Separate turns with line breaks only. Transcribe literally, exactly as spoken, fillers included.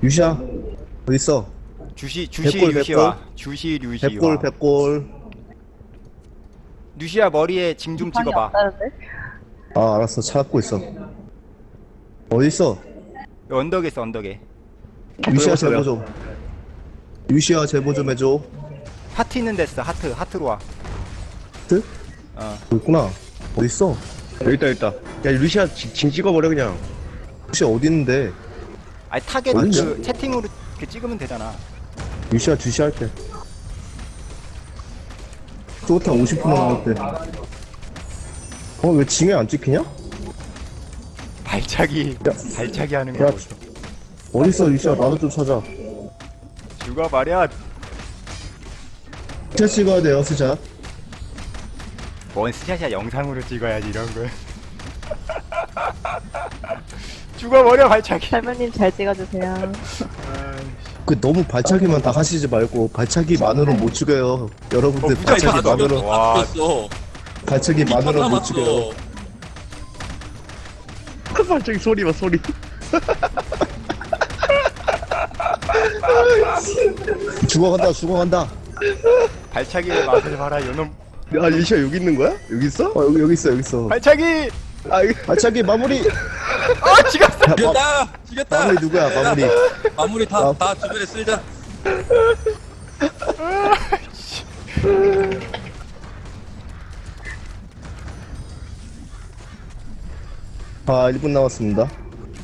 유시야 어딨어?
주시 주시
백골,
류시와 주시 류시와
백골 백골.
류시야 머리에 징 좀
방이
찍어봐.
없다는데?
아 알았어 찾고 있어. 어딨어?
여기 언덕에 있어 언덕에.
유시야 제보 좀. 유시야 제보 좀 해줘.
하트 있는 데 있어. 하트 하트로 와.
트?
어.
여기 있구나. 어딨어?
여기 있다 여기 있다. 야 루시아 징, 징 찍어버려 그냥.
유시야 어디 있는데?
아니 타겟
어딨냐?
그 채팅으로 이렇게 찍으면 되잖아.
유시야 주시할게. 쪼탄 오십 퍼센트 나왔대. 어 왜 징에 안 찍히냐?
발차기
야.
발차기 하는
야,
거 보소.
어딨어 유시야 나도 좀 찾아.
죽어 말이야.
스샷 찍어야 돼요 스샷.
뭔 스샷이야 영상으로 찍어야지 이런 거. 죽어버려 발차기.
설명님 잘 찍어주세요.
그 너무 발차기만 다 하시지 말고 발차기만으로 못 죽여요. 여러분들
어, 무자히
발차기만으로
와.
죽였어.
발차기만으로 못 죽여요.
갑자기 소리 봐 소리.
죽어간다 죽어간다.
발차기의 맛을 봐라 요놈.
야 루시아 여기 있는 거야? 여기 있어?
어 여기 여기 있어 여기 있어.
발차기.
아 이거
발차기 마무리.
아 지갔어.
죽였다. 죽였다.
마무리 누구야 마무리.
마무리 다 다 주변에 쓸자.
아 일 분 남았습니다.